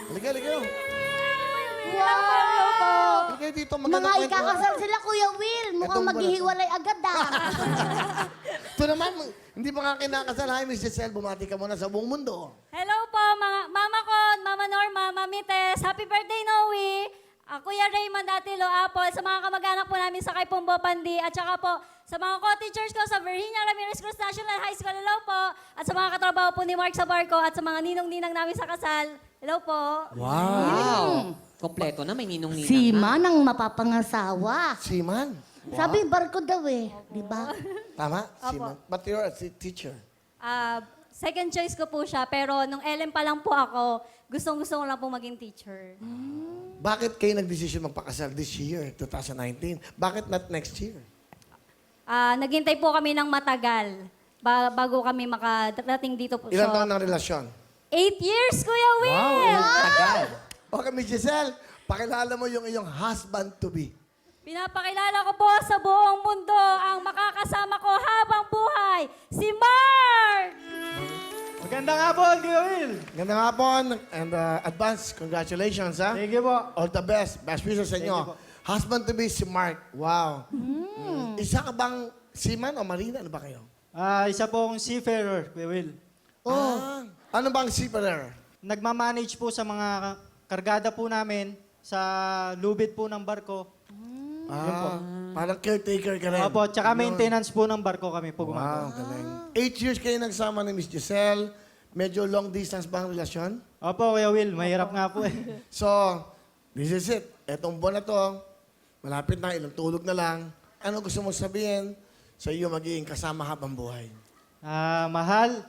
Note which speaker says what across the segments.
Speaker 1: Halika, halika.
Speaker 2: Wow!
Speaker 1: Halika dito,
Speaker 2: Mga
Speaker 1: maganda kwento.
Speaker 2: ikakasal sila, Kuya Will. Mukhang
Speaker 1: Itong
Speaker 2: maghihiwalay agad ah.
Speaker 1: Ito naman, hindi pa nga kinakasal. Hi, Miss Giselle, bumati ka muna sa buong mundo.
Speaker 3: Hello po, mga mama ko, Mama Norma, Mami Tess. Happy birthday, Noe. Kuya Raymond Atilo Apple, sa mga kamag-anak po namin sa kay Pumbo Pandi, at saka po sa mga co-teachers ko sa Virginia Ramirez Cruz National High School, hello po. At sa mga katrabaho po ni Mark Sabarco at sa mga ninong-ninang namin sa kasal, hello po.
Speaker 4: Wow! Kompleto na, may ninong-ninang
Speaker 2: Si
Speaker 4: na.
Speaker 2: Manang mapapangasawa.
Speaker 1: Siman.
Speaker 2: Sabi barko daw eh. Di ba?
Speaker 1: Tama? Siman. But you're a teacher.
Speaker 3: Second choice ko po siya, pero nung LM pa lang po ako, gustong-gusto ko lang po maging teacher.
Speaker 1: Bakit kayo nagdesisyon magpakasal this year, 2019? Bakit not next year?
Speaker 3: Naghintay po kami ng matagal bago kami makadating dito po.
Speaker 1: Ilan taon ng relasyon?
Speaker 3: 8 years, Kuya Will!
Speaker 4: Tagal.
Speaker 1: Okay, Miss Giselle, pakilala mo yung iyong husband-to-be.
Speaker 3: Pinapakilala ko po sa buong mundo ang makakasama ko habang buhay, si Mark!
Speaker 5: Magandang hapon, Kuya Will.
Speaker 1: Gandang hapon and advance congratulations, ha?
Speaker 5: Thank you po.
Speaker 1: All the best. Best wishes sa
Speaker 5: Thank you
Speaker 1: inyo.
Speaker 5: po.
Speaker 1: Husband-to-be si Mark. Wow. Isa ka bang seaman o marina? Ano ba kayo?
Speaker 5: Isa pong seafarer, Kuya Will.
Speaker 1: Oh. Ano bang seafarer?
Speaker 5: Nagmamanage po sa mga kargada po namin sa lubid po ng barko.
Speaker 1: Parang caretaker ka rin.
Speaker 5: Opo, tsaka
Speaker 1: Yun.
Speaker 5: maintenance po ng barko kami po
Speaker 1: Wow,
Speaker 5: gumagawa.
Speaker 1: galing. 8 years kayo nagsama ni Miss Giselle. Medyo long distance ba ang relasyon?
Speaker 5: Opo, Kuya Will, mahirap nga po eh.
Speaker 1: So, this is it. Etong buwan na to, malapit na, ilang tulog na lang. Ano gusto mo sabihin sa iyo magiging kasama habang buhay?
Speaker 5: Mahal,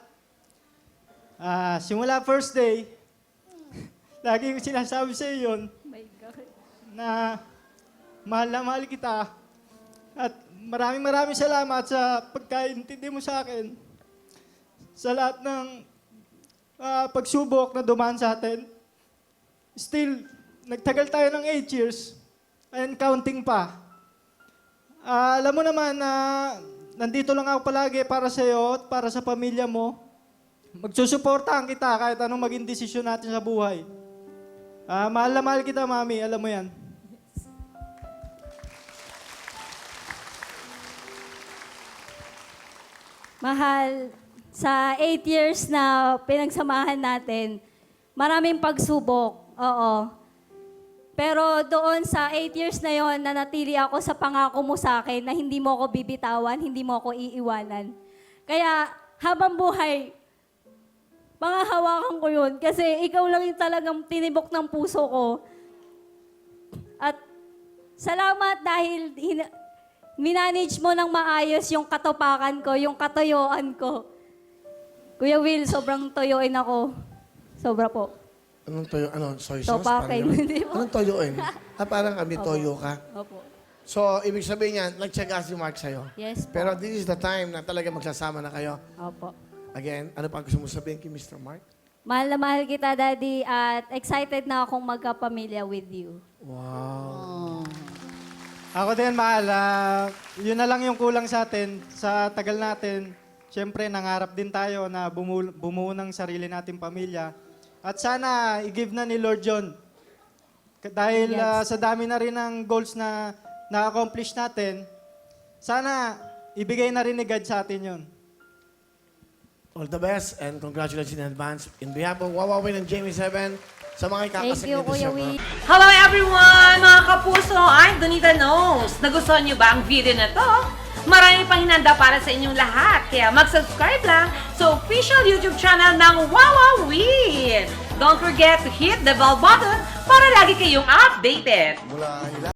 Speaker 5: simula first day, lagi ko sinasabi sa iyo yun, na mahal na mahal kita. At maraming salamat sa pagkaintindi mo sa akin. Sa lahat ng pagsubok na dumaan sa atin. Still, nagtagal tayo ng 8 years and counting pa. Alam mo naman na nandito lang ako palagi para sa iyo at para sa pamilya mo. Magsusuportahan kita kahit anong maging desisyon natin sa buhay. Mahal na mahal kita, Mami. Alam mo yan.
Speaker 3: Mahal, sa 8 years na pinagsamahan natin, maraming pagsubok, oo. Pero doon sa 8 years na yon, nanatili ako sa pangako mo sa akin na hindi mo ako bibitawan, hindi mo ako iiwanan. Kaya habang buhay, hawakan ko yun kasi ikaw lang yung talagang tinibok ng puso ko. At salamat dahil minanage mo ng maayos yung katupakan ko, yung katuyuan ko. Kuya Will, sobrang toyoin ako. Sobra po.
Speaker 1: Anong toyo? Ano? Soy sauce?
Speaker 3: Topakin.
Speaker 1: Parang yun?
Speaker 3: Hindi po.
Speaker 1: Anong toyoin? Parang kami toyo ka.
Speaker 3: Opo.
Speaker 1: So, ibig sabihin niya, nagtsaga si Mark sa'yo.
Speaker 3: Yes po.
Speaker 1: Pero this is the time na talaga magsasama na kayo.
Speaker 3: Opo.
Speaker 1: Again, ano pa gusto mo sabihin kay Mr. Mark?
Speaker 3: Mahal na mahal kita, Daddy, at excited na akong magkapamilya with you.
Speaker 1: Wow.
Speaker 5: Ako din, mahal. Yun na lang yung kulang sa atin. Sa tagal natin, siyempre, nangarap din tayo na bumuo ng sarili nating pamilya. At sana, i-give na ni Lord John. Dahil
Speaker 3: Yes.
Speaker 5: sa dami na rin ng goals na na-accomplish natin, sana ibigay na rin ni God sa atin yun.
Speaker 1: All the best and congratulations in advance. In behalf of Wawawin and Jamie 7, sa mga
Speaker 3: Thank
Speaker 1: ikakasal
Speaker 3: you,
Speaker 1: nito
Speaker 3: Kuya
Speaker 1: siya,
Speaker 3: Will.
Speaker 6: Hello everyone! Mga kapuso, I'm Donita Knows. Nagustuhan niyo ba ang video na to? Marami pang hinanda para sa inyong lahat. Kaya mag-subscribe lang sa official YouTube channel ng Wawawin. Don't forget to hit the bell button para lagi kayong updated.
Speaker 1: mula